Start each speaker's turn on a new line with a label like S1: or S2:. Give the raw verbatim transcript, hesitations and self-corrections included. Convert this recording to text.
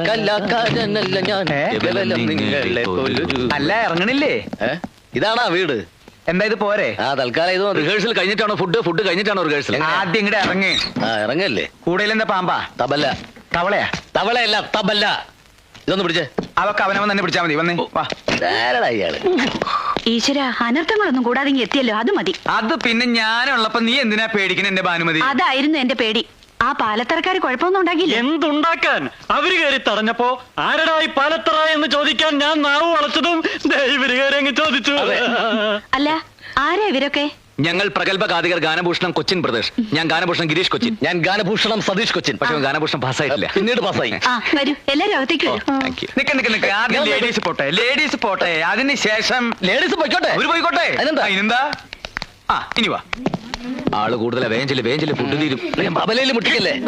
S1: കലാകാരനല്ല ഞാൻ, കേവലം നിങ്ങളെ പോലൊരു.
S2: അല്ല ഇറങ്ങണില്ലേ?
S1: ഇതാണാ വീട്?
S2: എന്താ ഇത് പോരെ?
S1: ആ തൽക്കാലം ഇത്
S3: റിഹേഴ്സൽ കഴിഞ്ഞിട്ടാണോ ഫുഡ് ഫുഡ് കഴിഞ്ഞിട്ടാണോ റിഹേഴ്സൽ?
S2: ആദ്യം ഇങ്ങടെ ഇറങ്ങ്.
S1: ആ ഇറങ്ങല്ലേ.
S2: കൂടുതൽ എന്താ പാമ്പാ?
S1: തബല.
S2: തവളയാ?
S1: തവളയല്ല തബല. ഇതൊന്ന് പിടിച്ചേ.
S2: അവക്ക് അവനവൻ തന്നെ പിടിച്ചാ മതി. വന്നേ വാ.
S1: ആരടാ ഇയാള്?
S4: ഈശ്വര, അനർത്ഥങ്ങളൊന്നും കൂടാതെ ഇങ്ങ് എത്തിയല്ലോ, അത് മതി.
S2: അത് പിന്നെ ഞാനുള്ളപ്പോ നീ എന്തിനാ പേടിക്കണ എന്റെ ഭാനുമതി?
S4: അതായിരുന്നു എന്റെ പേടി. ആ പാലത്തറക്കാര് കുഴപ്പമൊന്നും ഉണ്ടാക്കിയില്ല.
S5: എന്തുണ്ടാക്കാൻ? അവര് കയറി തടഞ്ഞപ്പോ ആരടായി പാലത്തറ എന്ന് ചോദിക്കാൻ ഞാൻ നാവ് വളച്ചതും ഇവര് കയറി അങ്ങ് ചോദിച്ചു.
S4: അല്ല, ആരാ ഇവരൊക്കെ?
S3: ഞങ്ങൾ പ്രഗത്ഭ ഗാതികർ ഗാനഭൂഷണം കൊച്ചിൻ പ്രദേശ്. ഞാൻ ഗാനഭൂഷണം ഗിരീഷ് കൊച്ചിൻ.
S1: ഞാൻ ഗാനഭൂഷണം സതീഷ് കൊച്ചിൻ.
S3: പക്ഷെ ഗാനഭൂഷണം പാസ്സായിട്ടില്ല.
S1: പിന്നീട് പാസ്സായി.
S4: ആ വരൂ, എല്ലാരും അകത്തേക്ക് വരൂ.
S3: Thank you.
S2: നിക്ക നിക്ക നിക്ക ആദ്യം ലേഡീസ് പോട്ടെ, ലേഡീസ് പോട്ടെ. അതിന് ശേഷം
S1: ലേഡീസ് പോയിക്കോട്ടെ.
S2: അവര് പോയിക്കോട്ടെ.
S1: അതിനെന്താ?
S2: അതിനെന്താ? ആ ഇനി വാ.
S3: ആള് കൂടുതലാ. വേഞ്ചില് വേഞ്ചില് ഫുഡ് തീരും.
S1: തബലയിൽ മുട്ടിക്കല്ലേ?